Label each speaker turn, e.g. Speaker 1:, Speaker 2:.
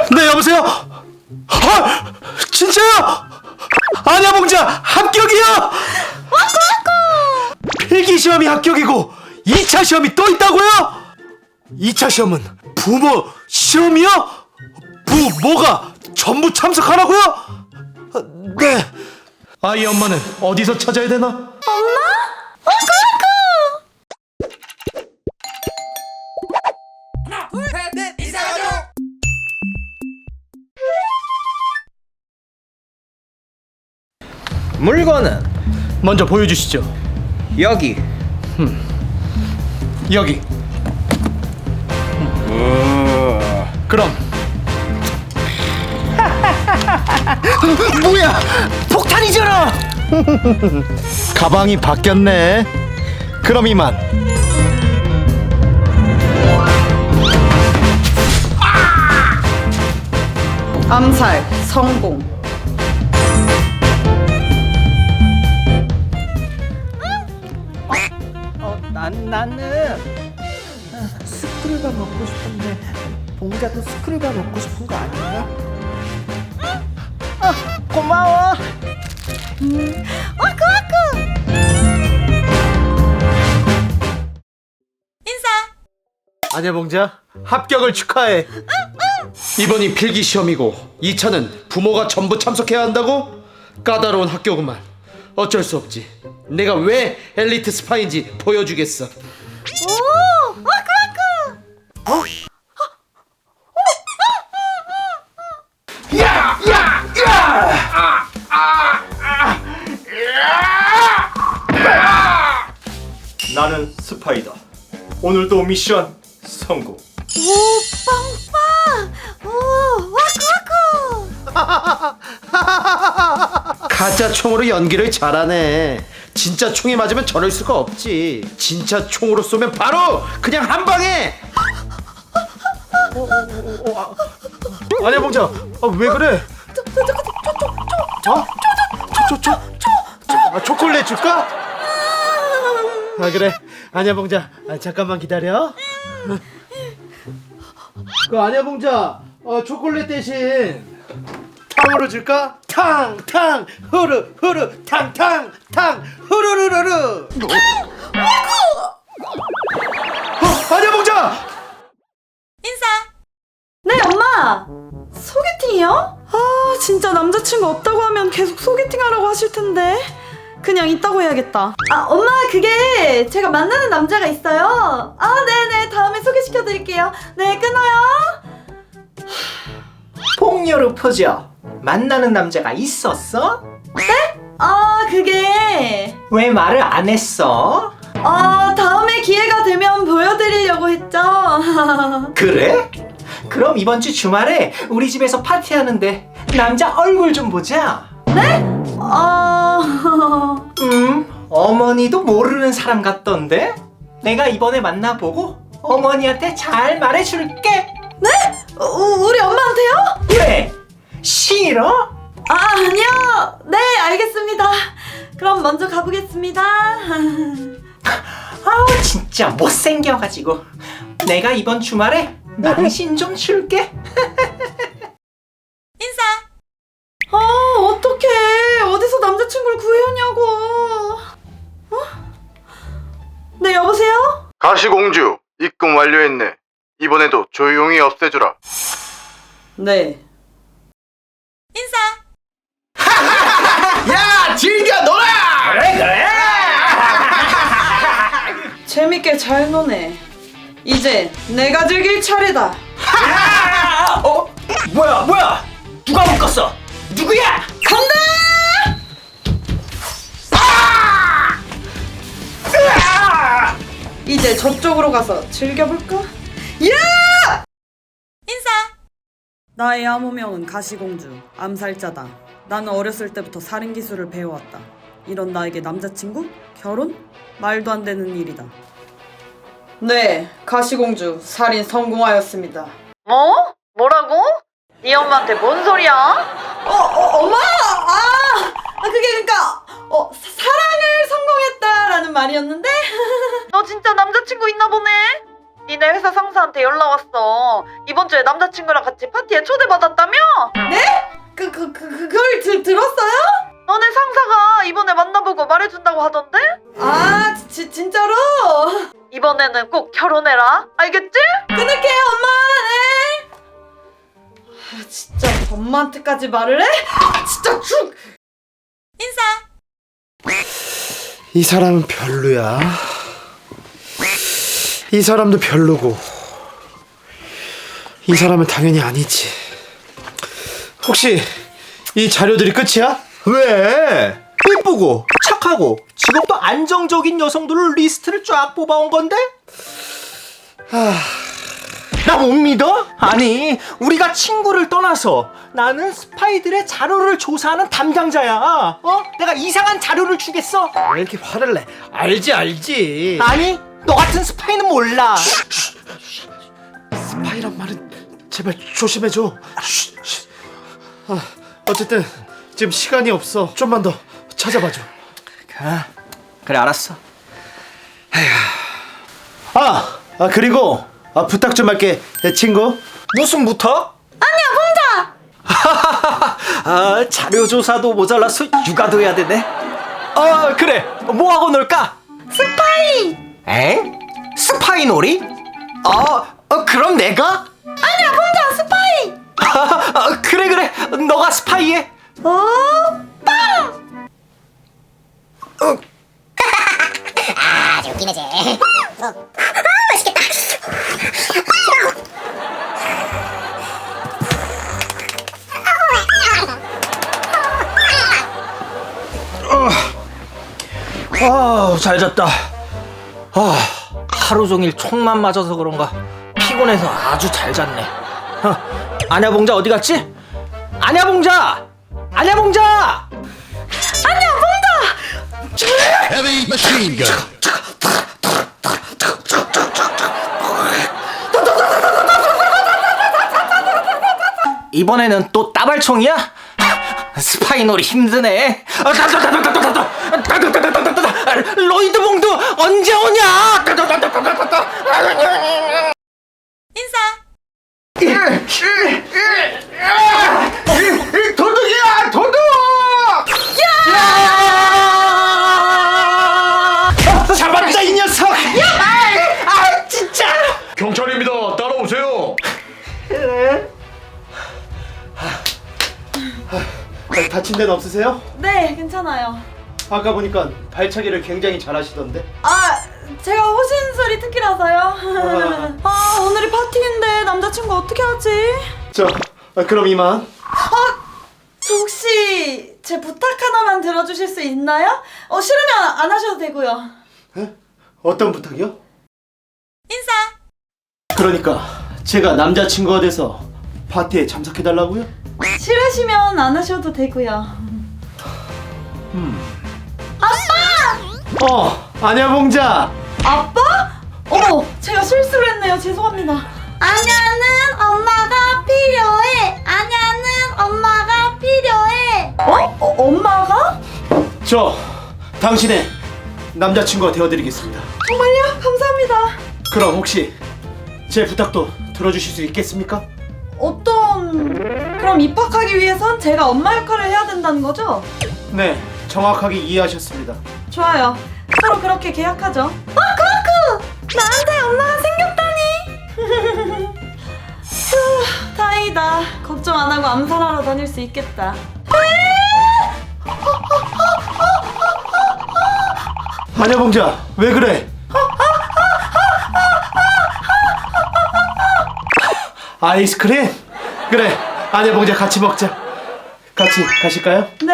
Speaker 1: 네, 여보세요? 진짜요? 안야봉자 합격이요? 필기시험이 합격이고 2차 시험이 또 있다고요? 2차 시험은 부모 시험이요? 부모가 전부 참석하라고요? 네. 아이 엄마는 어디서 찾아야 되나?
Speaker 2: 엄마?
Speaker 3: 물건은
Speaker 1: 먼저 보여주시죠.
Speaker 3: 여기.
Speaker 1: 여기. 그럼 뭐야? 폭탄이잖아. 가방이 바뀌었네. 그럼 이만.
Speaker 2: 암살 성공.
Speaker 3: 나는 스크류바 먹고 싶은데 봉자도 스크류바 먹고 싶은 거 아닌가? 고마워.
Speaker 1: 안야봉자 합격을 축하해. 이번이 필기 시험이고 2차는 부모가 전부 참석해야 한다고? 까다로운 학교구만. 어쩔 수 없지. 내가 왜 엘리트 스파인지 보여주겠어.
Speaker 4: 나는 스파이다. 오늘도 미션 성공.
Speaker 1: 가짜 총으로 연기를 잘하네. 진짜 총이 맞으면 저럴 수가 없지. 진짜 총으로 쏘면 바로 그냥 한 방에. 안야봉자, 왜 그래? 초콜릿 줄까? 그래. 안야봉자, 잠깐만 기다려. 그 안야봉자, 초콜릿 대신 탕으로 줄까? 탕 후루 탕 후루루루루. 안야봉자.
Speaker 2: 네, 엄마! 소개팅이요? 아, 진짜 남자친구 없다고 하면 계속 소개팅하라고 하실 텐데. 그냥 있다고 해야겠다. 아, 엄마, 그게 제가 만나는 남자가 있어요. 아, 네네, 다음에 소개시켜드릴게요. 네, 끊어요.
Speaker 3: 폭녀로 퍼져. 만나는 남자가 있었어?
Speaker 2: 아, 그게
Speaker 3: 왜 말을 안 했어?
Speaker 2: 다음에 기회가 되면 보여드리려고 했죠.
Speaker 3: 그래? 그럼 이번 주 주말에 우리 집에서 파티하는데 남자 얼굴 좀 보자. 어머니도 모르는 사람 같던데? 내가 이번에 만나보고 어머니한테 잘 말해줄게.
Speaker 2: 우리 엄마한테요?
Speaker 3: 왜? 싫어?
Speaker 2: 아니요. 네, 알겠습니다. 그럼 먼저 가보겠습니다.
Speaker 3: 아우 진짜 못생겨가지고. 내가 이번 주말에 낭신 좀 줄게.
Speaker 2: 어떡해. 어디서 남자친구를 구해오냐고. 네, 여보세요?
Speaker 5: 가시공주 입금 완료했네. 이번에도 조용히 없애주라.
Speaker 2: 네.
Speaker 1: 야, 즐겨 놀아.
Speaker 3: 그래.
Speaker 2: 재밌게 잘 노네. 이제 내가 즐길 차례다.
Speaker 3: 뭐야? 누가 묶었어? 누구야?
Speaker 2: 간다! 이제 저쪽으로 가서 즐겨볼까? 야! 나의 암호명은 가시공주, 암살자다. 나는 어렸을 때부터 살인 기술을 배워왔다. 이런 나에게 남자친구? 결혼? 말도 안 되는 일이다. 네, 가시공주 살인 성공하였습니다. 뭐? 뭐라고? 네 엄마한테 뭔 소리야? 엄마! 그게 그러니까 사랑을 성공했다라는 말이었는데? 너 진짜 남자친구 있나 보네? 니네 회사 상사한테 연락 왔어. 이번 주에 남자친구랑 같이 파티에 초대받았다며? 네? 그걸 들었어요? 너네 상사가 이번에 만나보고 말해준다고 하던데? 아, 진짜로? 이번에는 꼭 결혼해라. 알겠지? 끊을게요, 엄마. 네. 아, 진짜 엄마한테까지 말을 해? 진짜 죽!
Speaker 1: 이 사람은 별로야. 이 사람도 별로고. 이 사람은 당연히 아니지. 혹시 이 자료들이 끝이야?
Speaker 3: 왜? 이쁘고 착하고 직업도 안정적인 여성들을 리스트를 쫙 뽑아온 건데? 나 못 믿어? 아니, 우리가 친구를 떠나서 나는 스파이들의 자료를 조사하는 담당자야. 내가 이상한 자료를 주겠어?
Speaker 1: 왜 이렇게 화를 내? 알지.
Speaker 3: 아니, 너 같은 스파이는 몰라.
Speaker 1: 스파이란 말은 제발 조심해줘. 어쨌든 지금 시간이 없어. 좀만 더 찾아봐줘.
Speaker 3: 그래, 알았어.
Speaker 1: 그리고 부탁 좀 할게, 내 친구.
Speaker 3: 무슨 부탁? 아니야, 혼자. 자료 조사도 모자라서 육아도 해야 되네. 그래. 뭐 하고 놀까? 스파이. 에? 스파이 놀이? 그럼 내가? 아니야, 혼자 스파이. 그래. 너가 스파이해.
Speaker 6: 아주 웃기네 쟤. 맛있겠다.
Speaker 3: 잘 잤다. 하루 종일 총만 맞아서 그런가 피곤해서 아주 잘 잤네. 아냐봉자 어디 갔지? 아냐봉자!
Speaker 7: Heavy machine gun.
Speaker 3: 이번에는 또 따발총이야? 스파이놀이 힘드네. 로이드봉도 언제 오냐? 도둑이야, 도둑! 잡았다, 이 녀석! 진짜!
Speaker 4: 경찰입니다. 따라오세요.
Speaker 1: 다친 데는 없으세요?
Speaker 2: 네, 괜찮아요.
Speaker 1: 아까 보니까 발차기를 굉장히 잘하시던데.
Speaker 2: 제가 호신술이 특기라서요. 오늘이 파티인데 남자친구 어떻게 하지?
Speaker 1: 그럼 이만.
Speaker 2: 저 혹시 제 부탁 하나만 들어주실 수 있나요? 싫으면 안 하셔도 되고요.
Speaker 1: 어떤 부탁이요? 인사. 그러니까 제가 남자친구가 돼서 파티에 참석해달라고요?
Speaker 2: 싫으시면 안 하셔도 되고요.
Speaker 1: 아냐 봉자.
Speaker 2: 아빠? 어머, 제가 실수를 했네요. 죄송합니다. 아냐는 엄마가 필요해. 아냐는 엄마가 필요해. 엄마가?
Speaker 1: 저 당신의 남자친구가 되어드리겠습니다.
Speaker 2: 정말요? 감사합니다.
Speaker 1: 그럼 혹시 제 부탁도 들어주실 수 있겠습니까?
Speaker 2: 그럼 입학하기 위해선 제가 엄마 역할을 해야 된다는 거죠?
Speaker 1: 네, 정확하게 이해하셨습니다.
Speaker 2: 좋아요. 서로 그렇게 계약하죠. 그렇구! 나한테 엄마가 생겼다니! 휴, 다행이다. 걱정 안 하고 암살하러 다닐 수 있겠다.
Speaker 1: 아냐 봉자, 왜 그래? 아이스크림? 그래, 아냐 봉자 같이 먹자. 같이 가실까요?
Speaker 2: 네.